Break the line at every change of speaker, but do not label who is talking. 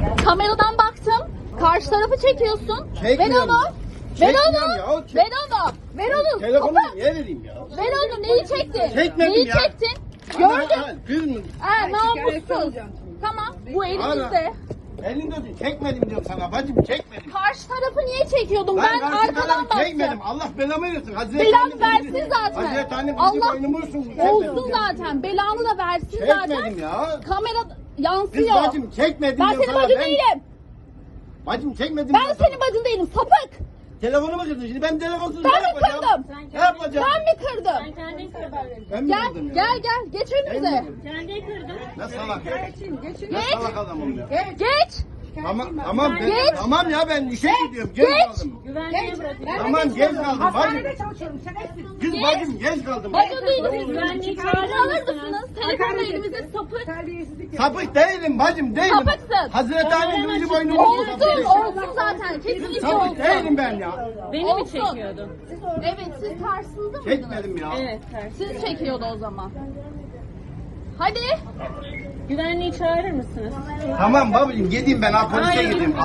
Kameradan baktım. Karşı tarafı çekiyorsun. Ver
Çekmiyorum.
onu. Ver
Çekmiyorum
onu.
ya, çek-
Ver onu. Ver onu.
Telefonu
Sapık.
niye vereyim ya?
Ver onu. Neyi çektin?
Çekmedim
Neyi
ya.
çektin? Gördüm.
Kız mı?
Namussuz. Tamam. Bu elimizde.
Elinde tut. Çekmedim diyorum sana bacım, çekmedim.
Karşı tarafı niye çekiyordum? Ben
karşı
arkadan
tarafı
baktım.
çekmedim. Allah belamı versin. Hazreti
Belanı
Annem
versin
bizi-
zaten.
Hazreti Annem bizi
Allah
boynumu vursun.
olsun zaten. Belanı da versin zaten.
Çekmedim ya.
Kamera
Kız
yansıyor.
bacım çekmedim
Ben
diyorum
senin
sana.
bacın değilim.
Bacım çekmedim.
Ben
diyorum
senin
sana.
bacın değilim. Sapık.
Telefonumu kırdın şimdi. Ben telefonsuz
Ben
ne
mi
yapacağım?
kırdım?
Ne yapacağım?
Ben mi kırdım?
Kendin kırdın.
Ben mi
Gel
kırdım ya?
gel geç önümüze.
Kendin kırdın.
Ne salak ya. Ne
Geç.
salak adamım ya.
Geç.
Tamam
Geç.
Tamam ya ben işe gidiyorum. Geç kaldım.
Güvenliğe bırakın.
Tamam geç kaldım bacım.
Hastanede çalışıyorum. Şerefsiz.
Kız bacım geç kaldım.
Bacın değilim.
Güvenliği
Alır
çağırır
mısınız? Telefonu elimizde sapık.
Terbiyesizlik.
Sapık değilim bacım değilim.
Sapıksın.
Hazreti Annem bizi boynumu vursun.
Olsun zaten. Kesinlikle
Sapık
olsun.
değilim ben ya.
Beni mi
Olsun.
çekiyordun?
Evet siz karşınızda mıydınız?
Çekmedim ya.
Evet ters.
Siz çekiyordu o zaman. Hadi.
Güvenliği çağırır mısınız?
Tamam babacığım gideyim ben ha polise gideyim.